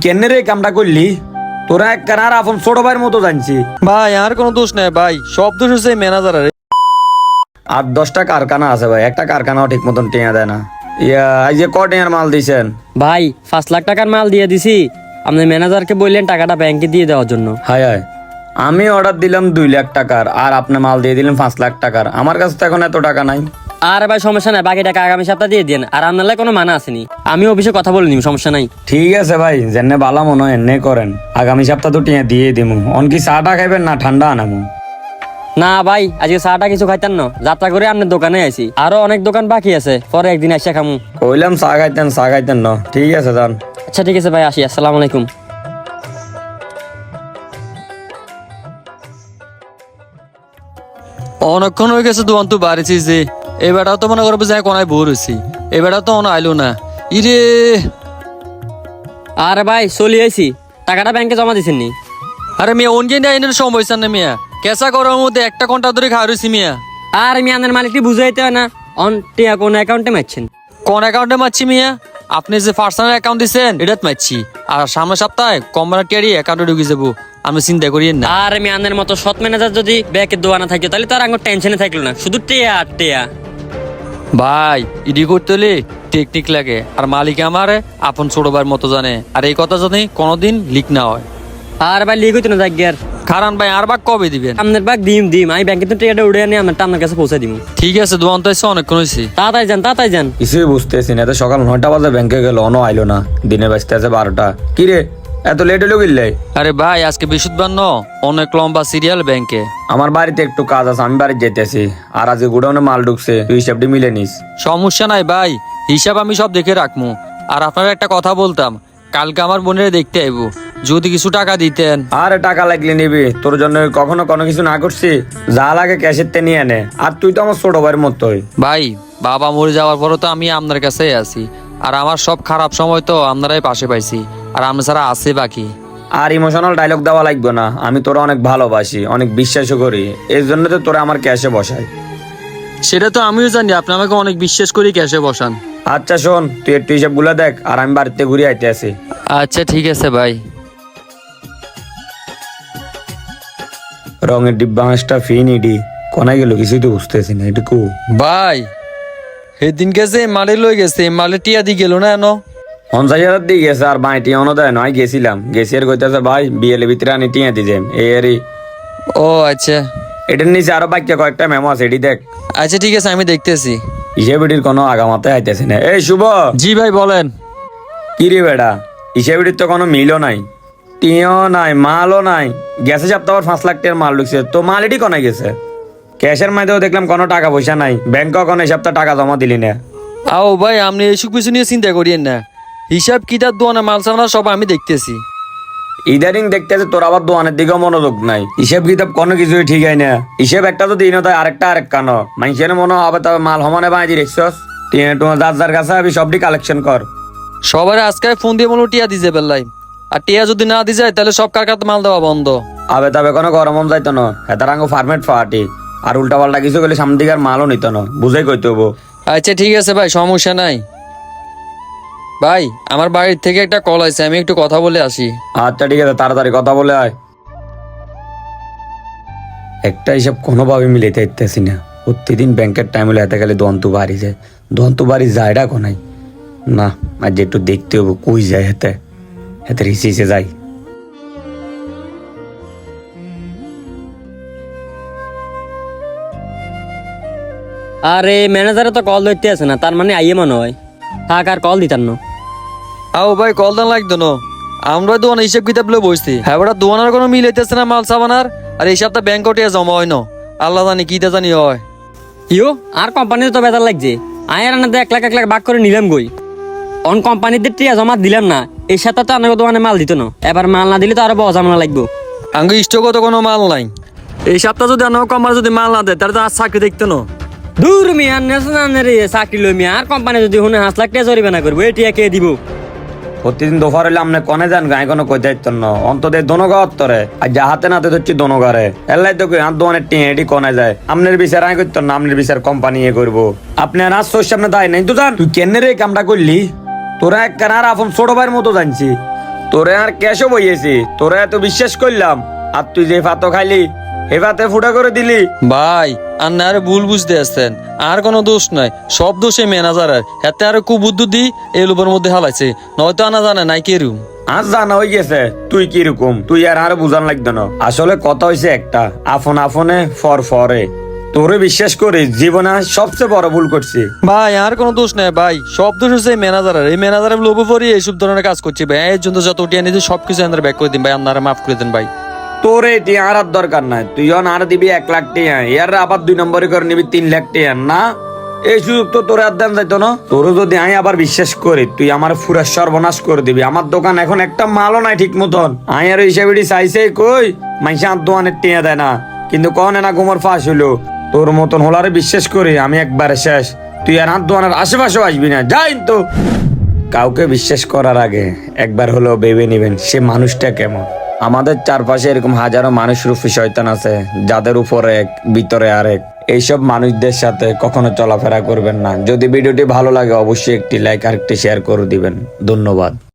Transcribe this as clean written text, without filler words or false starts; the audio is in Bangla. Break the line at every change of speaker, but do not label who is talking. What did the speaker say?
কেন রে কামটা করলি? তোরা এক কানার আপন ছোট ভাইয়ের মতো জানছি।
ভাই আর কোনো দোষ নাই ভাই, সব দোষ হচ্ছে ম্যানেজারের।
8-10টা কারখানা আছে ভাই, একটা কারখানাও ঠিক মতন টেঁয়া দেয় না। এই যে টেঁয়ার মাল দিছেন?
ভাই 5 লাখ টাকার মাল দিয়ে দিছি। আপনি ম্যানেজারকে বললেন টাকাটা ব্যাংকে দিয়ে দেওয়ার জন্য।
হায় হায়, আমি অর্ডার দিলাম 2 লাখ টাকার আর আপনি মাল দিয়ে দিলেন 5 লাখ টাকার। আমার কাছে তো এখন এত টাকা নাই।
আর ভাই সমস্যা নাই, বাকি টাকা আগামী সপ্তাহে দিয়ে দেন। আর আপনার কোনো মানা আসেনি, আমি অফিসে কথা বলে নিব, সমস্যা নাই।
ঠিক আছে ভাই, যেনে বালা মনে হয় এনে করেন। আগামী সপ্তাহ তো টিয়া দিয়ে দিমু। অন কি চাটা খাইবেন না ঠান্ডা আনামু?
না ভাই, আজকে চাটা কিছু খাইতেন না, যাত্রা করে আপনার দোকানে আইছি। আরো অনেক দোকান বাকি আছে, পরে একদিন আসে খামু।
কইলাম চা খাইতেন না। ঠিক আছে যান।
আচ্ছা ঠিক আছে ভাই, আসি। আসসালামু আলাইকুম।
অনেকক্ষণ হয়ে গেছে দোকান তো বাড়িছি যে, এবারটাও তো মনে করবো যে কোনায় বোর হয়েছি। এবারটাও তো অন আইলো না। ইরে
আরে ভাই চলি আইছি, টাকাটা ব্যাংকে জমা দিছেন নি?
আরে মিয়া অনকে আইনের সময় হয়েছে না মিয়া, কেঁচা করার মধ্যে 1 ঘন্টা ধরে খাওয়া রয়েছি মিয়া।
আর আমি আপনার মালিকটি বুঝাইতে হয় না, অন টিয়া কোন অ্যাকাউন্টে মারছেন?
কোন অ্যাকাউন্টে মারছি মিয়া? আপনি যে পার্সোনাল অ্যাকাউন্ট দিচ্ছেন এটাত মারছি। আর সামনের সপ্তাহে কোম্পানির টিয়ারি অ্যাকাউন্টে ঢুকে যাবো, আমি চিন্তা করিয়েন না।
আর আমি আপনার মতো সৎ ম্যানেজার যদি ব্যাংকের দোয়ানা থাকতো তাহলে তো আর আমার টেনশনে থাকলো না, শুধু টিয়া আর টিয়া।
ভাই ইডি করতে হলে টেকনিক লাগে, আর মালিক আমার আপন ছোট ভাইয়ের মতো জানে। আর এই কথা জানি কোনোদিন লিক না হয়।
আর ভাই লিখ হইতো না যাক গিয়ার।
কারণ ভাই আর বাক কবে দিবেন?
আপনার বাগ দিম আমি ব্যাংকে তো টিয়াটা উড়ে আনি আপনার কাছে পৌঁছে দিব।
ঠিক আছে, দোকান তো এসে অনেকক্ষণ হয়েছে।
তাড়াতাড়ি যান।
কিছুই বুঝতেছি না। এত সকাল 9টা বাজে ব্যাংকে গেল, অনও আইলো না। দিনে বাজতে আছে 12টা। কি রে এত লেট হলো গিল্লাই?
আরে ভাই আজকে বৃহস্পতিবার ন, অনেক লম্বা সিরিয়াল ব্যাংকে।
আমার বাড়িতে একটু কাজ আছে, আমি বাড়ি যেতেছি। আর আজকে গুডাউনে মাল ঢুকছে, তুই হিসাবটি মিলে নিস।
সমস্যা নাই ভাই, হিসাব আমি সব দেখে রাখবো। আর আপনার একটা কথা বলতাম, কালকে আমার বোনের দেখতে আইবো, যদি কিছু টাকা দিতেন।
আরে টাকা লাগলে নিবি, তোর জন্য কখনো কোনো কিছু না করছি। যা লাগে ক্যাশের তে নিয়ে নে। আর তুই তো আমার ছোট ভাইয়ের মতোই।
ভাই বাবা মরে যাওয়ার পরও তো আমি আপনার কাছেই আছি। আর আমার সব খারাপ সময় তো আপনারাই পাশে পাইছি, আর আপনার ছাড়া আছে বাকি।
আর ইমোশনাল ডায়লগ দেওয়া লাগবে না। আমি তোরা অনেক ভালোবাসি, অনেক বিশ্বাসও করি, এই জন্য তো তোরা আমার ক্যাশে বসাই।
সেটা তো আমিও জানি, আপনি আমাকে অনেক বিশ্বাস করি ক্যাশে বসান।
আচ্ছা শোন, তুই একটু হিসাবগুলো দেখ, আর আমি বাড়িতে ঘুরে আইতে আছি।
আচ্ছা ঠিক আছে ভাই।
রঙের ডিব্বা হাঁসটা ফিনিডি কোনায় গেল কিছুই তো বুঝতেছি না। এটুকু
ভাই সেদিন গেছে মালে লই গেছে, মালে টিয়া দি গেল না এনো
50,000 দিয়ে গেছে। আর বাঁটি অনো দেয় নয়, গেছিলাম গেছি আর কইতেছে ভাই বিয়েলে ভিতরে আনি টিয়া দিছে এই আরই।
ও আচ্ছা
এটার নিচে আরো বাক্য কয়েকটা মেমো আছে, এটি দেখ।
আচ্ছা ঠিক আছে, আমি দেখতেছি।
হিসেবিটির কোনো আগামাতে আইতেছে না। এই শুভ,
জি ভাই বলেন।
কি রে বেটা, হিসেবিটির তো কোনো মিলও নাই, টিও নাই, মালও নাই। গেছে সপ্তাহ 5 লাখ টাকার মাল ঢুকছে, তো মাল এটি কোনায় গেছে? ক্যাশের মাধ্যমেও দেখলাম কোনো টাকা পয়সা নাই, ব্যাংকেও কোনো এই সপ্তাহ টাকা জমা দিলি না।
আও ভাই আপনি এইসব কিছু নিয়ে চিন্তা করিয়েন না, হিসাব কিতাব দোয়ানা মাল সামনা সব আমি দেখতেছি।
ইদারিং দেখতেছে তোর আবার দোকানের দিকেও মনোযোগ নাই। হিসেব কিতাব কোনো কিছুই ঠিক হয় না। হিসেব একটা তো দিন হয়, আরেকটা আরেক কানো মানুষের মনে হবে। তবে মাল সমানে বাঁধি রেখছস, তোমার যার কাছে আমি সবটি কালেকশন কর।
সবার আজকে ফোন দিয়ে বলো টিয়া দিছে বেল্লাই, আর টিয়া যদি না দি যায় তাহলে সব কারখানাতে মাল দেওয়া বন্ধ।
আবে তবে কোনো গরম যাইতো না, হেতারাঙ্গ ফার্মেট ফাটি। আর উল্টা পাল্টা কিছু গেলে সামনে দিকে আর মালও নিত না, বুঝাই কইতে হবো।
আচ্ছা ঠিক আছে ভাই, সমস্যা নাই। ভাই আমার বাড়ির থেকে একটা কল আছে, আমি একটু কথা বলে আসি।
আচ্ছা ঠিক আছে, তাড়াতাড়ি কথা বলে আয়। একটা হিসাব কোনোভাবে মিলাইতে ইত্যাসি না। প্রতিদিন ব্যাংকের টাইম হলে হাতে গেলে দন্তু বাড়ি যায়। দন্তু বাড়ি যায়টা কোনাই না, আজ একটু দেখতে হবো কই যায়। হাতে হাতে রিসিসে যাই।
আরে ম্যানেজারে তো কল ধরতে আছে না, তার মানে আইয়ে মনে হয়। থাক আর কল দিতাম না।
আও ভাই কল দান লাগতো না, আমরা দোকানে হিসাব কিতাব লয়ে বসছি। হ্যাঁ ওটা দোকানের কোনো মিল হইতেছে না মাল সাবানার। আর এই সপ্তাহ ব্যাংক টিয়া জমা হয় না, আল্লাহ জানি কি তা জানি হয়।
ইয়ো আর কোম্পানিতে তো বেজার লাগছে। আয় আর আনাতে 1 লাখ ভাগ করে নিলাম গই। অন কোম্পানিতে টিয়া জমা দিলাম না, এই সাথে তো আনার দোকানে মাল দিত না। এবার মাল না দিলে তো আরো বজামনা লাগবো।
আঙ্গু স্টকও তো কোনো মাল নাই। এই সপ্তাহ যদি আনো কমার যদি মাল না দেয় তাহলে তো আর চাকরি দেখতো না।
দূর মিয়া নেশনাল চাকরি লই মিয়া। আর কোম্পানি যদি শুনে 5 লাখ টাকা জরিমানা করবো, এই টিয়া কে দিব?
প্রতিদিন দোফার হইলে আপনি কনে যান গায়ে কোনো কই দায়িত্ব ন অন্তদের দোনগাঁও তরে। আর যা হাতে নাতে ধরছি দোনগারে এলাই তো আর দোকানের টিয়ে এটি কনে যায়। আপনার বিচার আয় করতো না, আপনার বিচার কোম্পানি এ করবো। আপনি আর আজ সামনে দায় নাই তো জান। তুই কেন রে কামটা করলি? তোরা এক কানার আপন ছোট ভাইয়ের মতো জানছি। তোরে আর ক্যাশও বইয়েছি, তোরে এত বিশ্বাস করলাম, আর তুই যে ফাতো খাইলি হে ফাতে ফুটা করে দিলি।
ভাই আর না আরে ভুল বুঝতে আসছেন, আর কোনো দোষ নাই, সব দোষ এই ম্যানেজারের। হাতে আরো কুবুদ্ধি এই লোকের মধ্যে হালাইছে, নয়তো আনা জানে নাই কেরুম।
আজ জানা হয়ে গেছে তুই কিরকম, তুই আর বুঝান লাগতো না। আসলে কথা হয়েছে একটা, আপন আপনে ফর ফরে। তোরে বিশ্বাস করে জীবনে সবচেয়ে বড় ভুল করছি।
ভাই আর কোনো দোষ নাই ভাই, সব দোষ হচ্ছে এই ম্যানেজারের। এই ম্যানেজারের লোভে পড়ি এইসব ধরনের কাজ করছি ভাই। এর জন্য যত টিয়া নিতে সবকিছু আমাদের ব্যাক করে দিন ভাই, আপনারা মাফ করে দেন ভাই।
তোরে টিয়া আর দরকার নাই, তুই আর দিবি 1 লাখ টিয়া, এর আবার 2 নম্বরে করে নিবি 3 লাখ টিয়া। না, এই সুযোগ তো তোরে আর দেন যাইতো না। তোর যদি আমি আবার বিশ্বাস করি, তুই আমার পুরা সর্বনাশ করে দিবি। আমার দোকান এখন একটা মালও নাই ঠিক মতন। আমি আর হিসাবে চাইছে কই মাইসা আর দোকানের টিয়া দেয় না, কিন্তু কনে না ঘুমোর ফাঁস হইলো। তোর মতন হলারে বিশ্বাস করি আমি একবারে শেষ। তুই আর হাত দোকানের আশেপাশেও আসবি না, যাই তো। কাউকে বিশ্বাস করার আগে একবার হলেও ভেবে নিবেন সে মানুষটা কেমন। আমাদের চারপাশে এরকম হাজারো মানুষ রূপী শয়তান আছে, যাদের উপরে এক ভিতরে আরেক। এইসব মানুষদের সাথে কখনো চলাফেরা করবেন না। যদি ভিডিওটি ভালো লাগে অবশ্যই একটি লাইক আর একটি শেয়ার করে দিবেন। ধন্যবাদ।